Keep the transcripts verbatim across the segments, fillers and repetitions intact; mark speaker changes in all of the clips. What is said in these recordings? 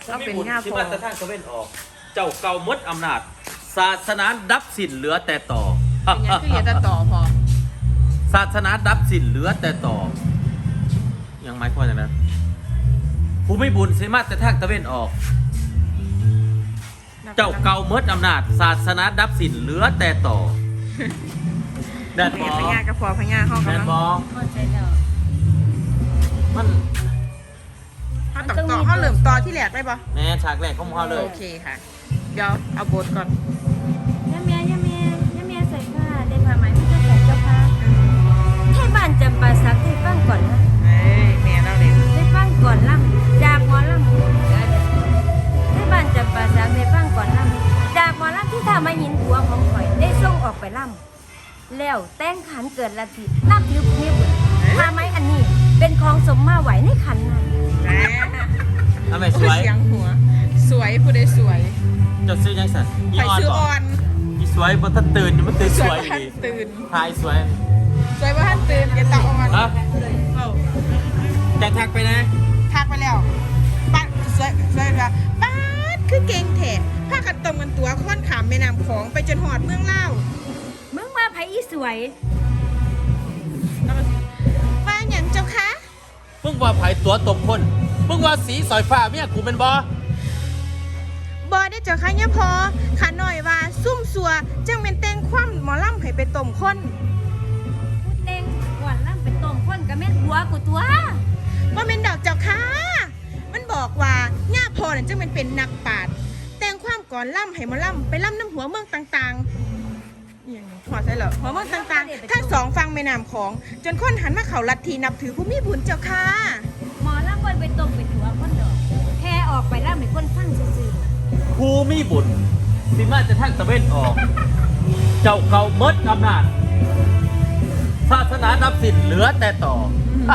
Speaker 1: เราเป็นง่าพ
Speaker 2: ที่
Speaker 1: อ
Speaker 2: มาตรฐานก็เว้นออก เจ้าเก่ามดอำนาจ ศาสนาดับสิ้นเหลือแต่ต่อ
Speaker 1: เป็นยังคือเรียนแต่ต่อพอ
Speaker 2: ศาสนาดับสิ้นเหลือแต่ต่อ ยังหมายความอย่างนั้นผู้ไม่บุญสิมาแต่ทางตะเวนออก เจ้าเก่ามดอำนาจ ศาสนาดับสิ้นเหลือแต่ต่อแดนบอ
Speaker 1: พญากระพอพญาห้อง
Speaker 2: แด
Speaker 1: กำ
Speaker 2: น
Speaker 1: ลัง
Speaker 2: บอ
Speaker 3: เข้าใจแล้ว
Speaker 2: มัน
Speaker 1: เขาต่อต่อเขาเหลื่อมต่อที่แหลกได้ปะ
Speaker 2: แม่ฉากแรกของเขาเลย
Speaker 1: โอเคค่ะ เดี๋ยวเอาบทก่อน
Speaker 3: ย่าเมียย่าเมียย่าเมียใส่ผ้าได้ผ้าไหมไม่ต้องใส่เจ้าผ้าให้บ้านจำปาสักให้ฟังก่อนนะ
Speaker 1: เอ้ยแม่เราเล่น
Speaker 3: ให้ฟังก่อนล่ำจากหมอล่ำให้บ้านจำปาสักให้ฟังก่อนล่ำจากหมอล่ำที่ทำมาหินหัวของข่อยได้ส่งออกไปล่ำแล้วแต่งขันเกิดละทีล่ำผิวผิวผ้าไหมอันนี้เป็นของสมมาไหวในขันนั้น
Speaker 1: แม่
Speaker 2: ทำไมส
Speaker 1: โอ้
Speaker 2: วย ย
Speaker 1: เสียงหัว สวยผู้ใดสวย
Speaker 2: เจะซื้อยังสัน
Speaker 1: ใครซื้อออน
Speaker 2: อีสวยบนท่านตื่นอยู่มันตื่น
Speaker 1: ส
Speaker 2: ส
Speaker 1: ว
Speaker 2: วย ย
Speaker 1: ว่า
Speaker 2: อยู่
Speaker 1: ท่าน
Speaker 2: ดี
Speaker 1: ตื่น
Speaker 2: ทายสวย
Speaker 1: สวยว่าท่านตื่นอย่าตาออน
Speaker 2: ฮะแจะทักไปนะ
Speaker 1: ทักไปแล้วป้าสวยสวยว่าป้าดคือเก่งแท้ผ้ากันตรงกันตัวค่อนขามแม่น้ำของไปจนหอดเมืองเล่าว
Speaker 3: มึงมาไผอีสวย
Speaker 1: แล้วก็ว่าอย่างเจ้าคะ
Speaker 2: มึงว่าไผตัวตบคนมึงว่าสีสอยฟ้าเมียกูเป็นบอบ
Speaker 1: อได้เจ้าคะเนี่ยพอขาหน่อยว่าซุ่มสัวจังเป็นแต่งคว่ำหมอลำให้ไปต้มคน
Speaker 3: พูดเน่งก่อนล่ำไปต้มข้นกับแม่นหัวกูตัว
Speaker 1: ว่าเป็นดอกเจ้าค่ะมันบอกว่าย่าพอนั่นจังเป็นเป็นนักปราชญ์แต่งความก่อนล่ำให้หมอลำไปล่ำน้ำหัวเมืองต่างๆอหย่างนี้ขอใช่เหรอหัวเมืองต่างๆทั้งสองฟังแม่น้ำของ จนคนหันมาเขาลัทธินับถือผู้มีบุญเจ้าค่ะ
Speaker 3: หมอล่ำบนไปต้มไปหัวคนดอกแค่ออกไปล่ำให้คนฟังซื่อ
Speaker 2: ครูมีบุญสิมาจะทักตะเวนออก เจ้าเก่ามดอำนาจ ศาสนาดับสิ้นเหลือแต่ต่อ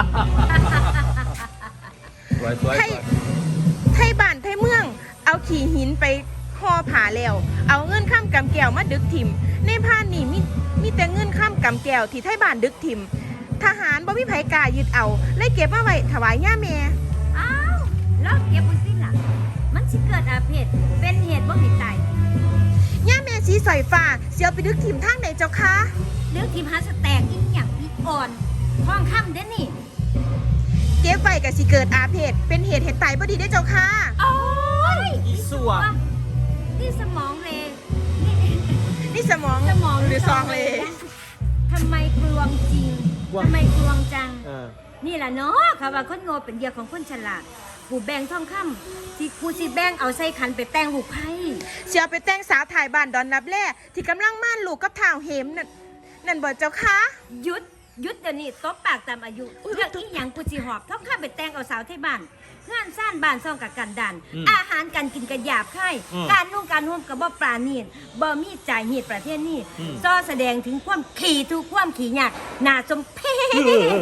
Speaker 2: สวยสวย
Speaker 1: ไทยไทยบ้านไทยเมือง เอาขี่หินไปห่อผาแล้ว เอาเงินข้ามกำแก้วมาดึกถิ่มในพานนี่มีมีแต่เงินข้ามกำแก้วที่ไทยบ้านดึกถิ่มทหารบ่มีไผกล้ายึดเอาเลยเก็บมาไว้ถวายย่าแม่
Speaker 3: ๆอ้าวแล้วเก็บไว้สิล่ะ มันสิเกิดอาเพศเป็นเหตุบ่ให้ตาย
Speaker 1: ย่าแม่สีสอยฟ้าเสียวไปดึกถิ่มทางไหนเจ้าคะ
Speaker 3: เรื่องทีมหาสแตกอีกอย่างอีกอ่อนท้องคำเด้อนี่
Speaker 1: เก็บไว้กับสิเกิดอาเพศเป็นเหตุเหตุตายบ่ดีได้อเจ้าค่ะ
Speaker 3: โอ้ย
Speaker 2: อีสัว
Speaker 3: นี่สมองเลยนี่
Speaker 1: นี่สมอง
Speaker 3: สมอง
Speaker 1: หรือซองเลย
Speaker 3: ทำไมกลวงจริง
Speaker 2: กลวง
Speaker 3: ทำไมกลวงจัง
Speaker 2: เออ
Speaker 3: นี่แหละเนาะค่ะว่าคนโง่เป็นเหยื่อของคนฉลาดกูแบ่งทองคำที่กูสิแบ่งเอาใส่ขันไปแต่งลูกไพ่
Speaker 1: เสียวไปแต่งสาวถ่ายบ้านดอนนับแล่ที่กำลังม่านลูกกับท่าวเหมนั่นนั่นบ่เจ้าค่ะ
Speaker 3: หยุดหยุดเดี๋ยวนี้ตบปากตามอายุเรื่องอีหยังกูสิหอบทองคำไปแต่งเอาสาวที่บ้านงานซ่านบ้านซ่องกับกันดัน อาหารการกินกับหยาบไข่การนุ่งการห่มกับบ่ปราณีตบ่มีจ่ายเหตุประเทศนี้ซ้อแสดงถึงความขี่ทุกความขี่ยากน่าสมเพช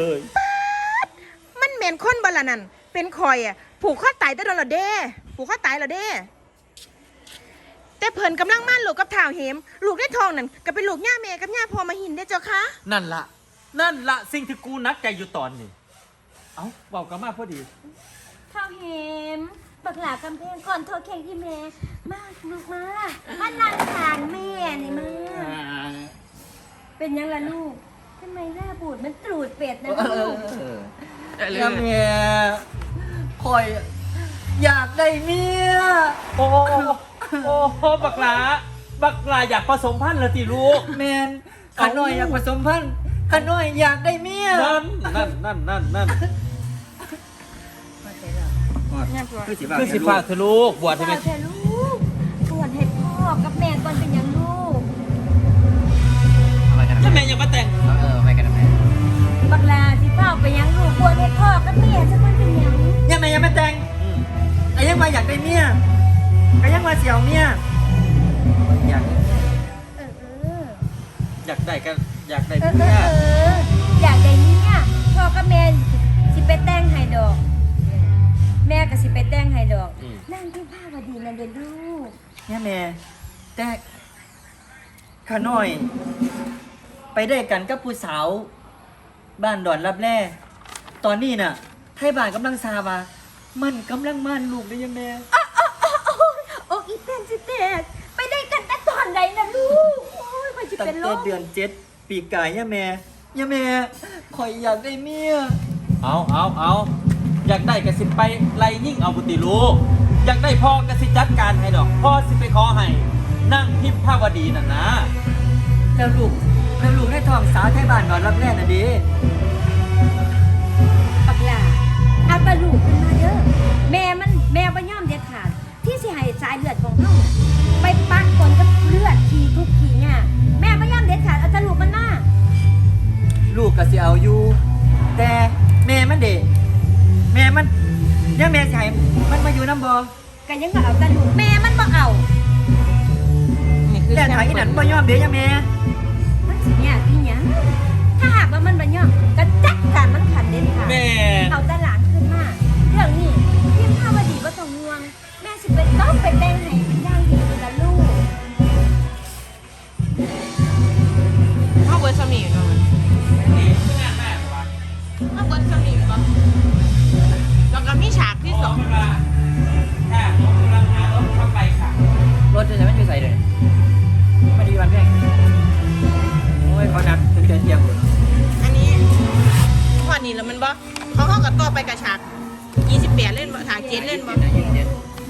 Speaker 1: มันเหม็นคนบ่ละนั่นเป็นคอยอ่ะผูกข้อตายได้โดนละเด้ผูกข้อตายละเด้แต่เพิ่นกำลังม่านลูกกับท่าวเหมลูกได้ทองนั่นก็เป็นลูกย่าแม่กับย่าพ่อมาหินได้อเจ้าค่ะ
Speaker 2: นั่นละนั่นละสิ่งที่กูนักใจอยู่ตอนนี้ เอ้าบอกกันมาพอดี
Speaker 3: ข้าวเห็มบักหลากำแพงก่อนโทรแข่งที่แม่มาลูกมามานั่งทานแม่นี่มาเป็นยังล่ะลูกทำไมหน้าบูดมันตรูดเป็ดนะลูก
Speaker 4: ยาเมียคอยอยากได้เมีย
Speaker 2: โอ้โอ้โหบักหลา บักหลาอยากผสมพันธุ์เหรอติลูก
Speaker 4: แมนขาน้อยอยากผสมพันธุ์ขาน้อยอยากได้เมีย
Speaker 2: นั่นนั่นนั่นนั่นนั่น
Speaker 4: คือสิ
Speaker 2: คือสิฝากเธอลูกบวชให้
Speaker 3: เฝ้า
Speaker 2: แม่
Speaker 3: เธอลูกบวชให้พ่อกับแม่ก่อนเป็นยังลูก
Speaker 2: แล้วแม่ยังมาแต่ง
Speaker 4: เออไปกันทำไม
Speaker 3: บักหลาสิเฝ้าไปยังลูกบวชให้พ่อกับแม่จะก่อนเป็นยัง
Speaker 4: ยังไม่ยังไม่แต่ง
Speaker 2: อืม
Speaker 4: ไอ้ยังมาอยากได้เมียไอ้ยังมาเสียวเมียอยาก
Speaker 3: เออเออ
Speaker 2: อยากได้กันอยากได้
Speaker 3: เออเอ
Speaker 2: เมี
Speaker 3: อย เอออยากได้เนี่ยพ่อกับแม่สิไปแต่งให้ดอก แม่ก็สิไปแต่งให้ดอก นั่งที่ผ้าวดีนั่นเด้อลูก
Speaker 4: เนี่ยแม่แต่ขาน้อย ไปได้กันกับผู้สาว บ้านดอนรับแร่ตอนนี้น่ะไทยบ้านกำลังซาว่ามันกำลังม่านลูกได้ยังแม่
Speaker 3: อ้าวเป็นสิแตกไปได้กันแต่ตอนใดนะลูกโอ้ยข่อยสิ
Speaker 4: ตั้ง
Speaker 3: เป็นล
Speaker 4: แต่
Speaker 3: ม
Speaker 4: เดือนเจ็ดปีกายย่าแม่ย่าแม่ข่อยอยากได้เมีย
Speaker 2: เอาเอาเอาอยากได้กสิไปไล่ยิ่งเอาบุตรีลูกอยากได้พ่อกสิจัดการให้ดอกพ่อสิไปขอให้นั่งพิมพ์ภาวดีน่ะนะ
Speaker 4: แล้วลูกแล้วลูกได้ทองสาวไทยบ้านนอนรับแรกน่ะดิ
Speaker 3: ปักหลาเอาตะลูกขึ้นมาเด้อแม่มันแม่บ่ยอมเด็ดขาดที่สิให้สายเลือดของเฮาน่ะไปปะปนกับเลือดขี้ทุกขี้เนี่ยแม่บ่ยอมเด็ดขาดเอาตะลูกมันมา
Speaker 4: ลูกก็สิเอาอยู่ แต่แม่มันเด็แม่มันย่าแม่สิให้มันมาอยู่น้ำบ่
Speaker 3: ก็ยังก็เอาตะลูกแม่มันบ่เอา
Speaker 1: นี่คือ
Speaker 4: แต่ถ้าอีนั่นบ่ยอมเด้ย่าแม่
Speaker 3: มันสิเนี่ยอีหยังถ้าหากว่ามันบ่ยอมก็จัดการมันขันเด็ดขาด
Speaker 2: แม่
Speaker 3: เอาแต่หลานขึ้นมาเรื่องนี้พิมพ์ภาวดีบ่ต้องห่วงแม่สิไปต้องไปแต่งให้เป็นอย่างดีเลยล่ะลูก
Speaker 1: เอาเบิร์ดสมีอยู่เนาะเอาเบิร์ดสมีอยู่ปะแล้วก็มีฉากที่สอง
Speaker 2: ค่ะผมกำลังหารถเข้าไปค่ะ
Speaker 4: รถจะไม่อยู่ใส่เลยไม่ดีวันแรกโอ้ยเขานัดถึงเที่ยงพุ่น
Speaker 1: อันนี้ข้อนี้แล้วมันบ่เขาเข้ากับตัวไปกับฉากยี่สิบแปดเล่นบ่ฉากเจ็ดเล่นบ่ยี่สิบเจ็ด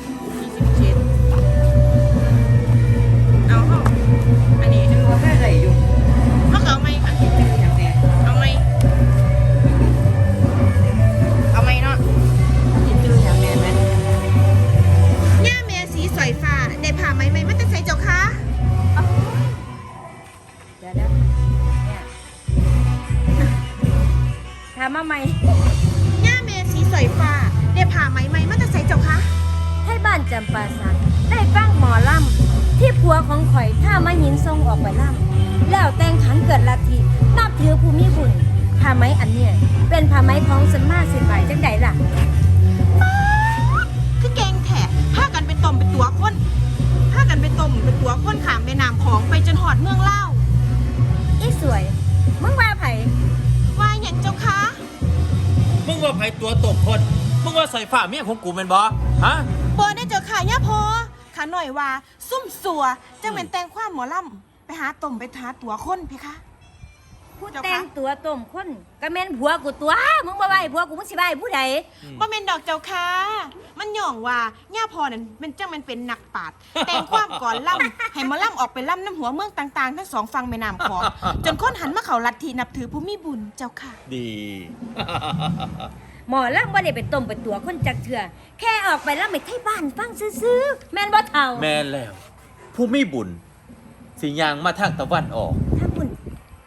Speaker 1: เอาเข้าอันนี้
Speaker 4: เขาแค่ใส่อยู่
Speaker 1: เขาเอาไหมค่ะ
Speaker 4: อย่างแน่
Speaker 1: เอาไหมเอาไหมเนาะ
Speaker 4: คิดชื่ออย่างแน่ไหม
Speaker 1: ย่าแม่สีสอยฟ้าได้ผ่าไหมไหมมันจะใส่เจ้าคะ
Speaker 3: เดี๋ยวนะเนี่ยถามมาใหม่
Speaker 1: ย่าแม่สีสอยฟ้าได้ผ่าไหมไหมมันจะใส่เจ้าคะ
Speaker 3: ให้บ้านจำปาสักได้ฟังหมอลำที่ผัวของข่อยถ้ามาหินทรงออกไปลำแล้วแต่งขันเกิดลัทธินับถือภูมิบุญผ้าไหมอันเนี้ยเป็นผ้าไหมของสมมาสินไหวจังใดล่ะ
Speaker 1: คือแกงแถะผ้ากันเป็นต้มเป็นตัวคนผ้ากันเป็นต้มเป็นตัวคนขามแม่น้ำของไปจนหอดเมืองเล่าว
Speaker 3: อีสวย มึงว่าไผ
Speaker 1: ว่าอย่างเจ้าคะ
Speaker 2: มึงว่าไผตัวตกคนมึงว่าใส่ฝ่าเมียของกูเป็นบอฮะ
Speaker 1: บอได้เจ้าค่ะย่าพอขาหน่อยว่า ซุ่มสัวจังเป็นแต่งความหมอลำไปหาต้มไปหาตัวคนเพคะ
Speaker 3: ผู้
Speaker 1: เจ้าคะ
Speaker 3: แต่งตัวต้มคนก็แม่นผัวกูตัว มึงบ่ไหวผัวกูมึงสิไหวผู้ใด
Speaker 1: บ่เป็นดอกเจ้าค่ะมันหย่องว่าย่าพอนั่นเป็นจังมันเป็นนักปราชญ์แต่งความก่อนล่ำให้หมาล่ำออกไปล่ำน้ำหัวเมืองต่างๆทั้งสองฝั่งแม่น้ำของจนคนหันมาเขาลัทธินับถือผู้มีบุญเจ้าค่ะ
Speaker 2: ดี
Speaker 3: หมอลำบ่ได้ไปต้มไปตัวคนจักเถื่อแค่ออกไปแล้วไม่ไทยบ้านฟังซื่อๆแม่นบ่เท่า
Speaker 2: แม่นแล้ว ผู้มีบุญสิยางมาทางตะวันออก
Speaker 3: ถ้าบุญ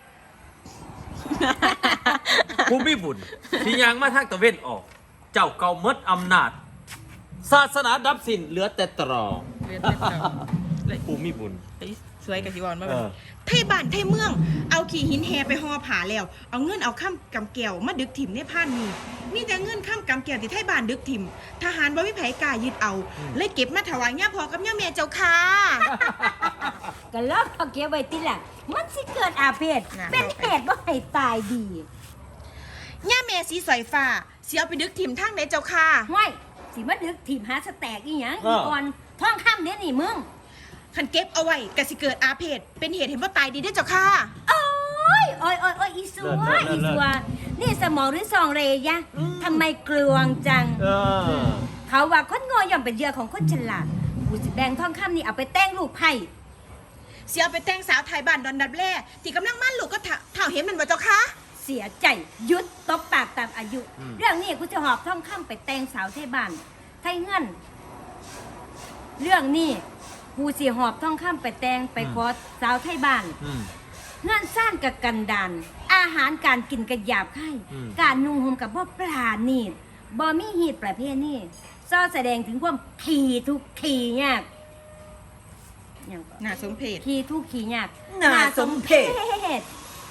Speaker 2: ผู้มีบุญสิยางมาทางตะเวนออก เจ้าเก่าเมดอำนาจ ศาสนาดับสิ้นเหลือแต่ตรอผู้มีบุญ
Speaker 1: สวยกับสิวอนมา
Speaker 2: เอ
Speaker 1: แบบ
Speaker 2: อ
Speaker 1: ไทยบ้านไทยเมือง เอาขี่หินแฮไปห่อผาแล้ว เอาเงินเอาข้ามกำแก้วมาดึกถิ่มในผ่านนี้มีแต่เงินข้ามกำแก้วที่ไทยบ้านดึกถิ่มทหารบ่มีไผกล้ายึดเอา เลยเก็บมาถวายย่าพอกับย่าแม่เจ้าค่ะ
Speaker 3: ก็ลอกเอาเก็บไว้ติล่ะมันสิเกิดอาเพศ
Speaker 1: น่ะ
Speaker 3: เป็นเหตุบ่ให้ตายดี
Speaker 1: ย่าแม่สีสอยฟ้าสิเอาไปดึกถิ่มทางไหนเจ้าค่ะ
Speaker 3: ห้วยสิมาดึกทีมหาสแตกอีหยัง
Speaker 2: เอ
Speaker 3: อี
Speaker 2: อ
Speaker 3: ก่อนท่องข้ามเด้นี่มึง
Speaker 1: คันเก็บเอาไว้ก็สิเกิดอาเพศเป็นเหตุให้บ่ตายดีเด้อเจ้าค่ะ
Speaker 3: โอ้ยโอ้ยโอ้ยโอ้ยอีสัวอีสัวนี่สมองหรือซองเรยะทำไมกลวงจัง
Speaker 2: เออ
Speaker 3: เขาว่าคนโง่ย่อมเป็นเหยื่อของคนฉลาดกูสิแบ่งทองคำนี่เอาไปแต่งลูกไผ่
Speaker 1: เสียเอาไปแต่งสาวไทยบ้านดอนดับแล่ที่กำลังมั่นลูกก็เท่าเห็นมันบ่เจ้าค่ะ
Speaker 3: เสียใจหยุดตบปากตามอายุ
Speaker 2: อืม
Speaker 3: เรื่องนี้กูจะหอบทองคำไปแต่งสาวไทยบ้านไทยเงิน เรื่องนี้กูสิหอบทองคำไปแต่งไปขอสาวไทยบ้าน
Speaker 2: อืม
Speaker 3: เงื่อนสร้างกับกันดานอาหารการกินกับหยาบไข่
Speaker 2: อืม
Speaker 3: การนุ่งห่มกับบ่ปลาณีดบ่มีหีดประเภทนี้ซ่อแสดงถึงความขี่ทุกขี่ยากอย่างก่อน
Speaker 1: น่าสมเพช
Speaker 3: ขี่ทุกขี่ยาก
Speaker 4: น่าสมเพช
Speaker 3: ช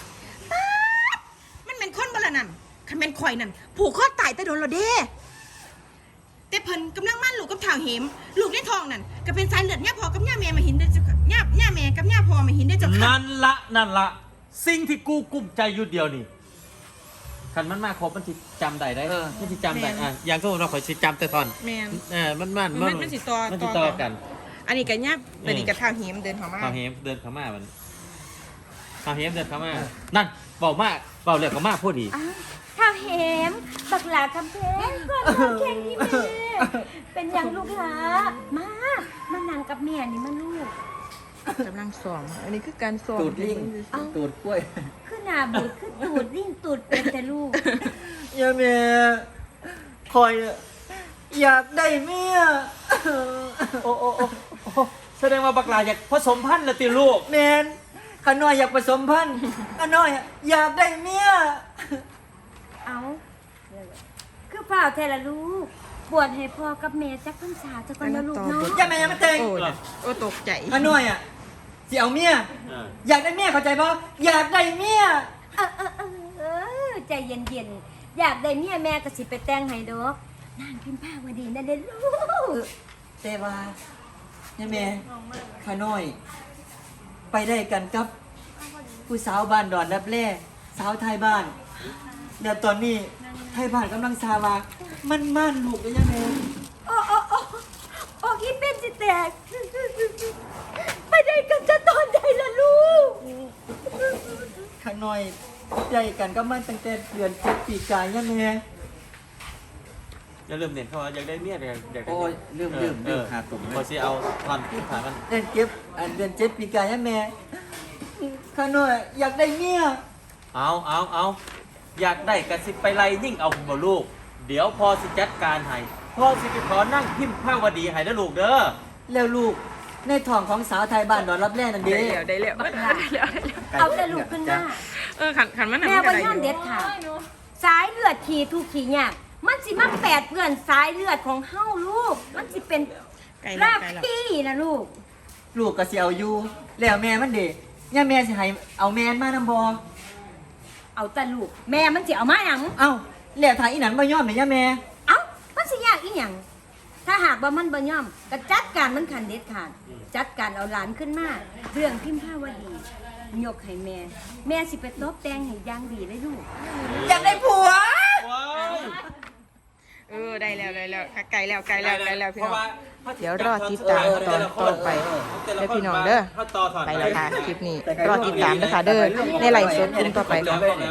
Speaker 1: มันเป็นคนบ่ละนั่นคันเป็นข่อยนั่นผูกคอตายแต่โดนเราเด้แต่เพิ่นกำลังมั่นลูกกับเท่าเหมลูกในท้องนั่นก็เป็นสายเลือดย่าพอกับย่าแม่มาหินได้อเจ้าค่ะย่าย่าแม่กับย่าพอมาหินได้อเจ้าค่ะ
Speaker 2: นั่นละนั่นละสิ่งที่กูกุ้มใจอยู่เดียวนี่คันมันมาครบมันสิจำได้ได้
Speaker 4: เออ
Speaker 2: มันสิจำได้
Speaker 1: แม่น
Speaker 2: อ่ะอย่างก็เราขอยสิจำแต่ตอน
Speaker 1: แม่น
Speaker 2: เออมันมัน
Speaker 1: มันมันสิต่อ
Speaker 2: มันสิ
Speaker 1: ต่
Speaker 2: ต่
Speaker 1: อ
Speaker 2: อ
Speaker 1: กั
Speaker 2: กัน น
Speaker 1: อันนี้ก็ยับอันนี้ก็เท้าหิมเดินเข้ามา
Speaker 2: ข้าวเฮมเดินเข้ามามันข้าวเฮมเดินเข้ามานั่นเบามากเบาเรียกเข้ามาพูดดี
Speaker 3: อ้าวข้าวแหมบักหลาคำเพงก่อนมาแข่งนี่แม่เป็นอย่างลูกหลามามานั่งกับแม่นี่มาลูก
Speaker 1: กำลังซ้อมอันนี้คือการซ้อม
Speaker 4: ตูดลิง
Speaker 3: เอ้า
Speaker 4: ตูดกล้วย
Speaker 3: คือหน้าบูดคือตูดลิ่งตูดเป็นแต่ลูก
Speaker 4: อย่าแม่คอยอะอยากได้เมีย
Speaker 2: โอ้โอ้โอ้โอ้แสดงว่าบักหลาอยากผสมพันธุ์ละติลูก
Speaker 4: แมนขาน้อยอยากผสมพันธุ์ขาน้อยอะอยากได้เมีย
Speaker 3: เอาคือเปล่าแท้ละลูกบวชให้พ่อกับแม่จักพรรษาจักก่อนนะลูกเนาะ
Speaker 4: อย่าแม่อย่ามาเตง
Speaker 1: โอ้ยโอ้ตกใจ
Speaker 4: ขาน้อยอ่ะสิเอาเมีย
Speaker 2: เออ
Speaker 4: อยากได้เมียเข้าใจป่ะอยากได้เมีย
Speaker 3: เออเออเออเออใจเย็นๆอยากได้เมียแม่ก็สิไปแต่งให้ดอกนางพิมพ์ผ้าวดีนั่นเด้อลูก
Speaker 4: แต่ว่าอย่าแม่ขาน้อย ไปได้กันกับผู้สาวบ้านดอนรับแร่สาวไทยบ้านเดี๋ยวตอนนี้ไทยบ้านกำลังซาวามันมั่นลูกเลยยังไง
Speaker 3: โอ้โอ้โอ้โอ้อีเป็นสิแตกไปได้กันจะตอนใดล่ะลูก
Speaker 4: ข้างน้อยใจกันก็มันตั้งแต่เดือนเจ็ดปีกายยังไง
Speaker 2: อย่าลืมเน้นเข้าว่าอยากได้เมียอยากอยากได้
Speaker 4: โอ้ยลืมลืมลืมหาตุ่ม
Speaker 2: พอสิเอาทอนที่ผ่านมัน
Speaker 4: เดือนเจ็บอันเดือนเจ็ดปีกายยังแม่ข้างน้อยอยากได้เมีย
Speaker 2: เอาเอาเอาอยากได้กระสิไปไล่ยิ่งเอาบ่ลูก เดี๋ยวพอสิจัดการให้พ่อสิไปขอนั่งพิมพ์ผ้าวดีให้นะลูกเด้อ
Speaker 4: แล้วลูกในท้องของสาวไทยบ้านดอนรับแร่นั่นเด้
Speaker 1: ได้แล้วได้แล้ว
Speaker 3: บักหลา
Speaker 1: ได้แล้วได้แล้ว
Speaker 3: เอาแต่ลูกขึ้นมา
Speaker 1: เออขันขันมัน
Speaker 3: แม่บ่ยอมเด็ดขาดสายเลือดขี่ทุกขี่ยากมันสิมาแปดเปื้อนสายเลือดของเฮาลูก มันสิเป็น
Speaker 1: ไกลแล้ว
Speaker 3: ราก
Speaker 1: ไกลแล้ว
Speaker 3: พี่นะลูก
Speaker 4: ลูกก็สิเอาอยู่แล้วแม่มันเด้ย่าแม่สิให้เอาแม่นมานำบ่
Speaker 3: เอาแต่ลูก แม่มันสิเอามาหยัง
Speaker 4: เอ้าแล้วถ้าอีหนันบ่ยอมเนี่ยย่าแม่
Speaker 3: เอ้ามันสิยากอีหยังถ้าหากว่ามันบ่ยอมก็จัดการมันขันเด็ดขาดจัดการเอาหลานขึ้นมาเรื่องพิมพ์ผ้าวดียกให้แม่ แม่สิไปตบแต่งให้อย่างดีเลยลูก
Speaker 4: อยากได้ผัว
Speaker 2: ว้าว
Speaker 1: เออได้แล้วได้แล้วไกลแล้วไกลแล้วไกลแล้วพี่
Speaker 2: เพ
Speaker 1: น้อง
Speaker 2: ราะว่า
Speaker 1: เดี๋ยวรอติดตามตอนต่อไปเด้อพี่น้องเด้อ
Speaker 2: ถ้าต่อถอน
Speaker 1: ไปแล้วค่ะคลิปนี้รอติดตามนะคะเด้อในไลฟ์สดกลุ่มต่อไปค่ะ